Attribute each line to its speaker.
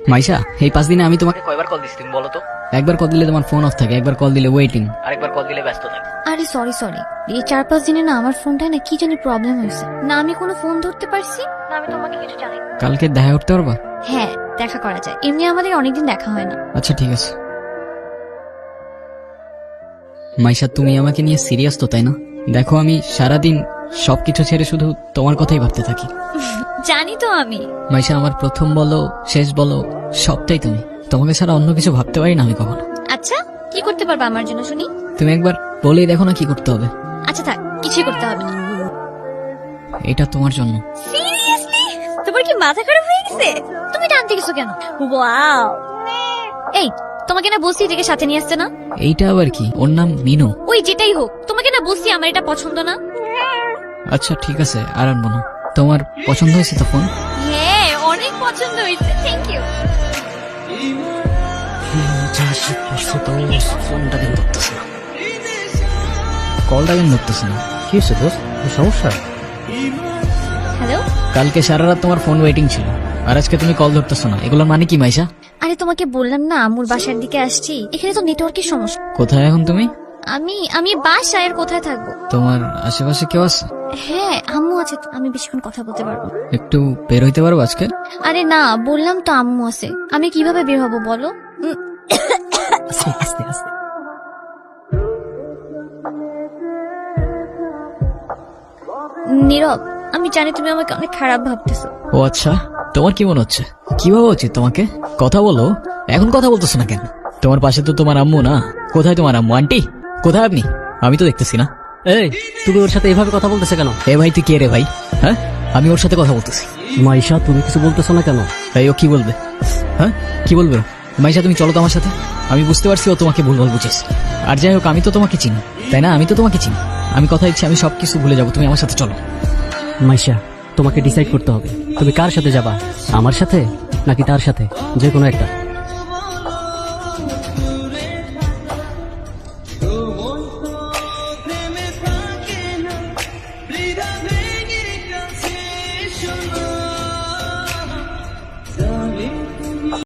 Speaker 1: মাইশা, এই 5 দিনে আমি তোমাকে কয়বার কল দিছি তুমি বলো তো? একবার কল দিলে তোমার ফোন অফ থাকে, একবার কল দিলে ওয়েটিং, আরেকবার কল দিলে ব্যস্ত থাকে।
Speaker 2: আরে সরি এই 4-5 দিনে না আমার ফোনটায় না কি জানি প্রবলেম হয়েছে, না আমি কোনো ফোন ধরতে পারছি না আমি তোমাকে কিছু জানাই।
Speaker 1: কালকে দেখা করতে পারবা?
Speaker 2: হ্যাঁ দেখা করা যায়, এমনি আমাদের অনেকদিন দেখা হয় না।
Speaker 1: আচ্ছা ঠিক আছে। মাইশা, তুমি আমাকে নিয়ে সিরিয়াস তো তাই না? দেখো আমি সারাদিন সবকিছু ছেড়ে শুধু তোমার কথাই ভাবতে থাকি।
Speaker 2: জানি তো আমি।
Speaker 1: মাইশা, আমার প্রথম বলো শেষ বলো সবটাই তুমি। তোমাকে ছাড়া অন্য কিছু ভাবতে পারি না আমি কখনো।
Speaker 2: আচ্ছা কি করতে পারবা আমার জন্য শুনি?
Speaker 1: তুমি একবার বলেই দেখো না কি করতে হবে।
Speaker 2: আচ্ছা থাক, কিছুই করতে হবে না।
Speaker 1: এটা তোমার জন্য।
Speaker 2: সিরিয়াসলি? তোমার কি মাথা খারাপ হয়ে গেছে? তুমি টানতে গেছো কেন? ওয়াও, এই তোমাকে না বলছি এটাকে সাথে নিয়ে আসছে না?
Speaker 1: এইটা আবার কি? ওর নাম মিনু।
Speaker 2: ওই যেটাই হোক, তোমাকে না বলছি আমার এটা পছন্দ না।
Speaker 1: আচ্ছা ঠিক আছে, আর আনবো না। তোমার পছন্দ হয়েছে তো ফোন?
Speaker 2: হ্যাঁ অনেক পছন্দ হয়েছে, থ্যাংক ইউ।
Speaker 1: ফোনটা কেন ধরতেছে না? কলটা কেন ধরতেছে না? কি হয়েছে দোস্ত, সমস্যা?
Speaker 2: হ্যালো।
Speaker 1: কালকে সারা রাত তোমার ফোন ওয়েটিং ছিল, আর আজকে তুমি কল ধরতেছো না, এগুলোর মানে কি মাইশা?
Speaker 2: আরে তোমাকে বললাম না আম্মুর বাসার দিকে আসছি, এখানে তো নেটওয়ার্কের সমস্যা।
Speaker 1: কোথায় এখন তুমি?
Speaker 2: আমি বাসায়, আর কোথায় থাকবো?
Speaker 1: তোমার আশেপাশে কেউ আছে?
Speaker 2: হ্যাঁ আম্মু আছে, আমি বেশিক্ষণ কথা বলতে পারবো।
Speaker 1: একটু বের হইতে পারবো আজকে?
Speaker 2: আরে না বললাম তো আম্মু আছে, আমি কিভাবে বের হবো বলো?
Speaker 1: আস্তে আস্তে।
Speaker 2: নীরব, আমি জানি তুমি আমাকে অনেক খারাপ ভাবতেছো।
Speaker 1: ও আচ্ছা, তোমার কি মনে হচ্ছে? কি ভাবা উচিত তোমাকে? কথা বলো, এখন কথা বলতেছো না কেন? তোমার পাশে তো তোমার আম্মু না। কোথায় তোমার আম্মু? আন্টি কোথায় আপনি? আমি তো দেখতেছি না।
Speaker 3: এই তুমি ওর সাথে এভাবে কথা বলতেছে কেন?
Speaker 1: এ ভাই তুই কে রে ভাই? হ্যাঁ, আমি ওর সাথে কথা বলতেছি।
Speaker 3: মাইশা তুমি কিছু বলতেছো না কেন?
Speaker 1: ভাই ও কি বলবে? হ্যাঁ কি বলবে ও? মাইশা তুমি চলো তো আমার সাথে। আমি বুঝতে পারছি ও তোমাকে ভুলভাল বুঝেছে। আর যাই হোক আমি তো তোমাকে চিনি তাই না? আমি তো তোমাকে চিনি। আমি কথা দিচ্ছি আমি সবকিছু ভুলে যাবো, তুমি আমার সাথে চলো।
Speaker 3: মাইশা তোমাকে ডিসাইড করতে হবে তুমি কার সাথে যাবা, আমার সাথে নাকি তার সাথে, যে কোনো একটা।